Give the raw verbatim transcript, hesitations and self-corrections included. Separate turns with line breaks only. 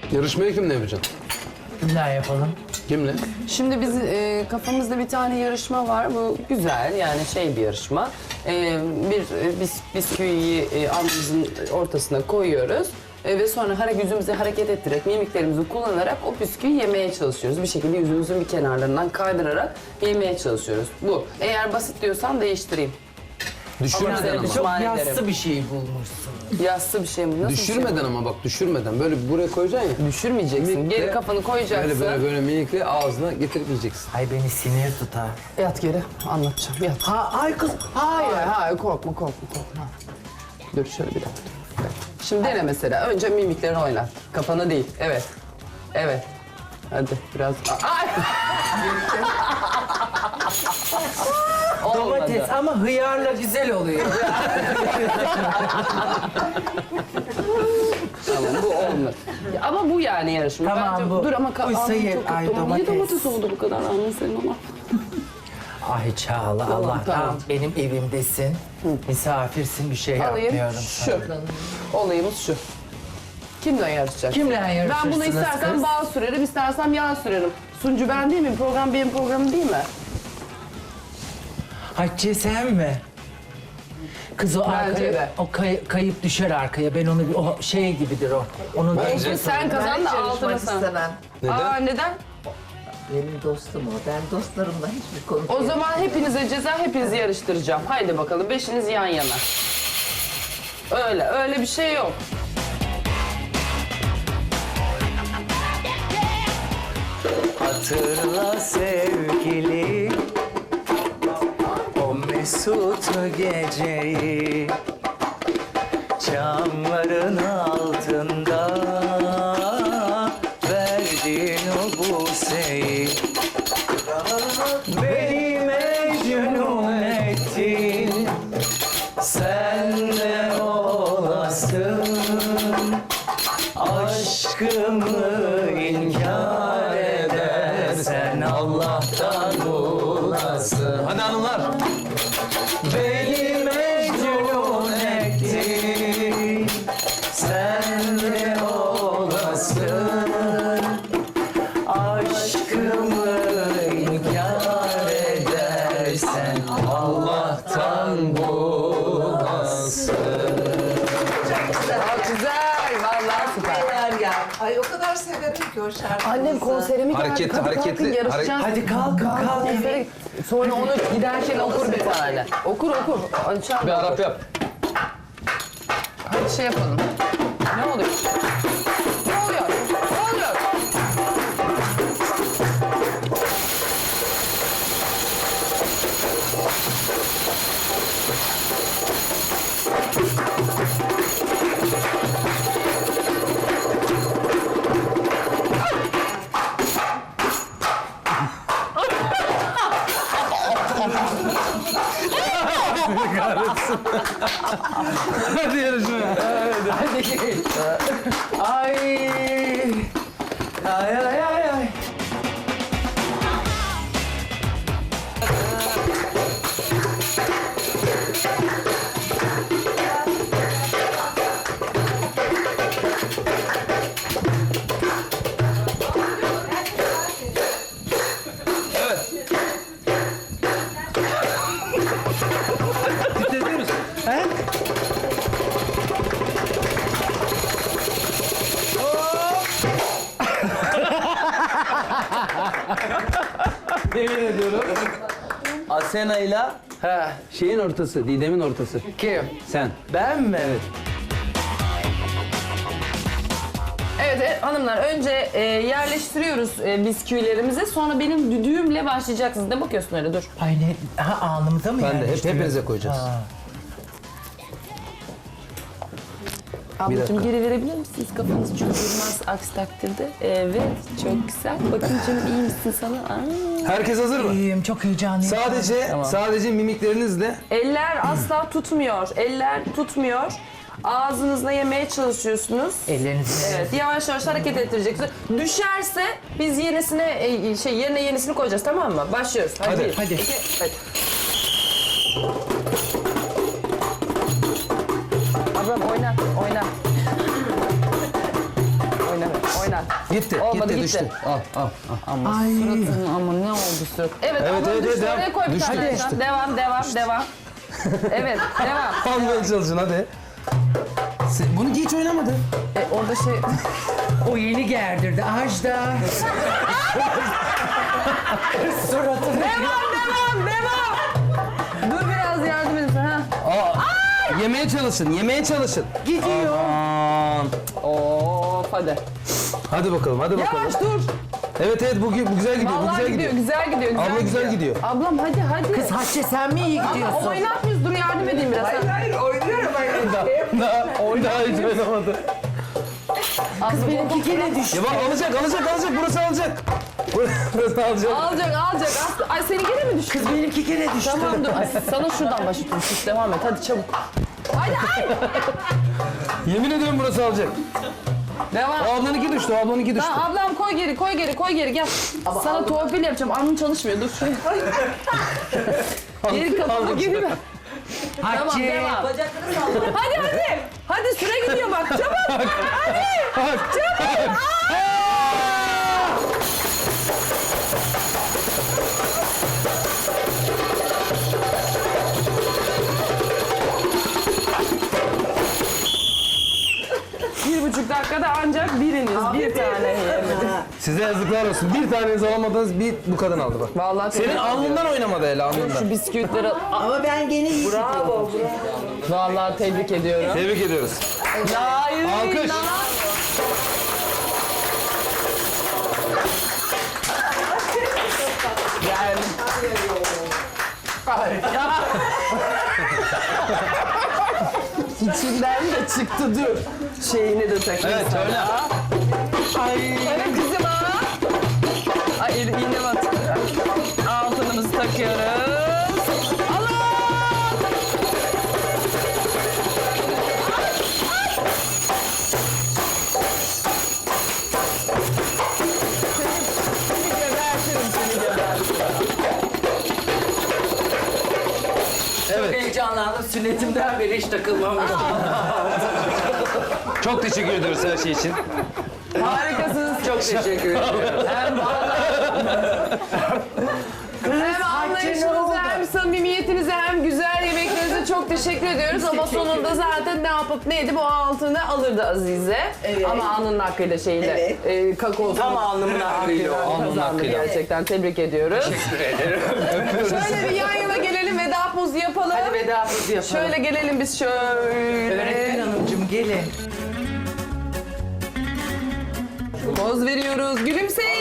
Yarışmayı kimle yapacaksın?
Kimler yapalım?
Kimle?
Şimdi biz e, kafamızda bir tane yarışma var. Bu güzel yani şey bir yarışma. E, bir e, bis, bisküviyi e, alnımızın ortasına koyuyoruz. E, ve sonra hare, yüzümüzü hareket ettirerek, mimiklerimizi kullanarak o bisküviyi yemeye çalışıyoruz. Bir şekilde yüzümüzün bir kenarlarından kaydırarak yemeye çalışıyoruz. Bu. Eğer basit diyorsan değiştireyim.
Düşürmeden ama.
Çok
Çok
Pişman
yassı
ederim.
bir şey bulmuşsun.
Yassı bir şey mi? Nasıl
Düşürmeden
bir şey
ama bak düşürmeden. Böyle buraya koyacaksın ya.
bu? Düşürmeyeceksin.
Minikle,
Geri kafanı koyacaksın.
Böyle böyle böyle minikle ağzına getirip yiyeceksin.
Ay beni sinir tutar.
Yat geri. Anlatacağım. Yat.
Ha, ay kız,
Hayır,
hayır.
hayır korkma, korkma, korkma. Dur şöyle bir dakika. dur. Şimdi dene mesela. Önce mimiklerini oynat. Kafana değil. Evet. Evet. Hadi biraz. Ay! Olmadı.
Domates ama hıyarla güzel oluyor.
Tamam bu olmadı. Ya ama bu yani yarışma.
Tamam,
Bence,
bu.
Dur ama ka-
Uysa
ağzın
ye-
çok
ay,
tuttu. Niye
domates.
domates oldu bu kadar ağzın senin ama?
Ay Çağla, Allah'tan
tamam.
benim evimdesin. Misafirsin, bir şey
Alayım.
yapmıyorum
Şu.
sana.
Olayımız şu. Kimle yarışacak?
Kimle
Ben
yarışırsınız
bunu istersen
kız?
bal sürerim, istersem yağ sürerim. Suncu ben değil miyim? Program benim programım değil mi?
Hatice sen mi? Kız o
Bence
arkaya,
de.
o kay- kayıp düşer arkaya. Ben onu, bir- o şey gibidir o. Onu
Olsun sen kazan da altına
yarışmak
sen.
istemem.
Neden?
Aa neden?
Benim dostum o. Ben dostlarımla hiçbir konu
O zaman hepinize ceza, hepinizi yarıştıracağım. Haydi bakalım, beşiniz yan yana. Öyle, öyle bir şey yok.
Hatırla sevgili o mesut geceyi, çamların altında verdin o buseyi. Beni mecnun ettin, sen de olasın, aşkımı inkar edersen Allah'tan bulasın.
Hadi hanımlar.
Beni mecnun ettin, sen de olasın, aşkımı inkar edersen Allah'tan bulasın.
Aa, güzel, vallahi süper.
Neler ya. Ay o kadar severim ki o şarkıyı.
Annem konserimi geldi.
Hareketli,
Hadi kalkın,
hareketli,
yarışacağız.
Hadi kalkın kalkın.
Konsere- Sonra onu giderken okur bir tane. Okur okur. Açar
Bir Arap yap.
Hadi şey yapalım. Ne oluyor? Ne oluyor? Ne oluyor?
Hadi yarışmaya.
Ay. Ay ay ay ay.
Titretiyoruz.
He?
Yemin ediyorum. Asena'yla
Ha,
şeyin ortası, Didem'in ortası.
kim?
Sen.
Ben mi?
Evet.
Evet, evet hanımlar önce e, yerleştiriyoruz e, bisküvilerimizi. Sonra benim düdüğümle başlayacaksınız. Ne bakıyorsun öyle dur.
Ay ne? Ha alnımıza mı
Ben de hep
yerleştiriyorsun?
hepinize koyacağız.
Ha.
Ablacığım
dakika.
geri verebilir misiniz? Kafanız çok durmaz aksi takdirde. Evet çok güzel. Bakın canım iyi misin sana? Aa.
Herkes hazır mı?
İyiyim, çok heyecanlıyım.
Sadece sadece mimiklerinizle
Eller asla tutmuyor. Eller tutmuyor. Ağzınızla yemeye çalışıyorsunuz.
Ellerinizi...
Evet, yavaş yavaş hareket ettireceksiniz. Düşerse biz yenisine e, şey yerine yenisini koyacağız, tamam mı? Başlıyoruz. Hadi.
Hadi.
bir,
Hadi.
iki, hadi. Ablam oynat, oynat. Oynat, oynat.
Gitti,
Olmadı,
gitti,
gitti.
düştü. Al, al, al.
Ama suratın ama ne oldu surat? Evet,
Evet,
ama
evet,
düştü.
evet,
Oraya
devam.
koy bir
Düştü,
tane.
düştü.
Devam, devam, devam. Evet, devam.
Almaya çalışın hadi. Sen- Bunu hiç oynamadı.
E, orada şey...
O yeni gerdirdi. Ajda. Suratını.
Devam, devam, devam. Dur biraz yardım edin. Ha.
Aa, yemeye çalışın, yemeye çalışın.
Gidiyor.
Aman.
Of, hadi.
Hadi bakalım, hadi bakalım.
Yavaş dur.
Evet evet bu, bu güzel gidiyor, bu
Vallahi
güzel
gidiyor,
gidiyor.
güzel gidiyor, güzel
Abla güzel gidiyor.
Ablam hadi, hadi.
Kız Hatice sen mi iyi
Ama
gidiyorsun?
oynatmıyoruz, dur yardım edeyim biraz.
Hayır hayır oynuyorum hayır.
Daha, daha hiç oynamadı.
Kız
Benimki gene düştü.
Ya bak alacak, alacak, alacak. Burası alacak. Burası alacak.
Alacak, alacak. Aslı- Ay seni gene mi düştü?
Kız benimki gene düştü.
Tamam dur. Ay, sana şuradan başlatıyorum. Sus devam et. Hadi çabuk. Hadi ay.
Yemin ediyorum burası alacak.
Devam.
O ablanınki düştü, o ablanınki düştü.
Tamam ablam koy geri, koy geri, koy geri. Gel. Sana torpil yapacağım. Alnın çalışmıyor. Dur şuraya. Geri kapı geri ver. Tamam
Hatice.
devam. Hadi hadi. Hadi süre gidiyor bak. Çabuk. Hadi. Çabuk. Bir buçuk dakikada ancak biriniz bir tane yiyemedi.
Size yazıklar olsun. Bir taneniz alamadınız, bir bu kadın aldı bak.
Vallahi
Senin
tebrik
alnından oynamadı hele,
ediyorum.
alnından.
Şu bisküvitleri
Ama ben gene iyi gidiyorum.
vallahi tebrik ediyorum.
Tebrik ediyoruz.
Hayır.
Alkış.
Gel. İçinden de çıktı dur. Şeyini de takayım
Evet,
sana.
öyle.
Ay. Evet kızım ha. Ay el- iğne batıyor. Altınımızı takıyoruz. Allah! Seni gebertirim, seni gebertirim.
Çok heyecanlandım. Sünnetimden beri hiç takılmamıştım.
Çok teşekkür ediyoruz her şey için.
Harikasınız.
Çok teşekkür ederim.
Hem hem anlayışınıza hem samimiyetinize hem güzel yemeklerinize çok teşekkür ediyoruz. Ama sonunda zaten ne yapıp ne edip o altını alırdı Azize.
Evet.
Ama alnının hakkıyla şeyle
Evet.
e, kakaosunu
Tam alnımın hakkıyla o.
Alnının
kazandı
hakkıyla.
gerçekten. Tebrik ediyoruz.
Teşekkür ederim.
Şöyle bir yan yana gelelim, veda pozu yapalım.
Hadi vedamızı yapalım.
Şöyle gelelim biz şöyle.
Öğretmen hanımcığım gelin.
Poz veriyoruz. Gülümseyin.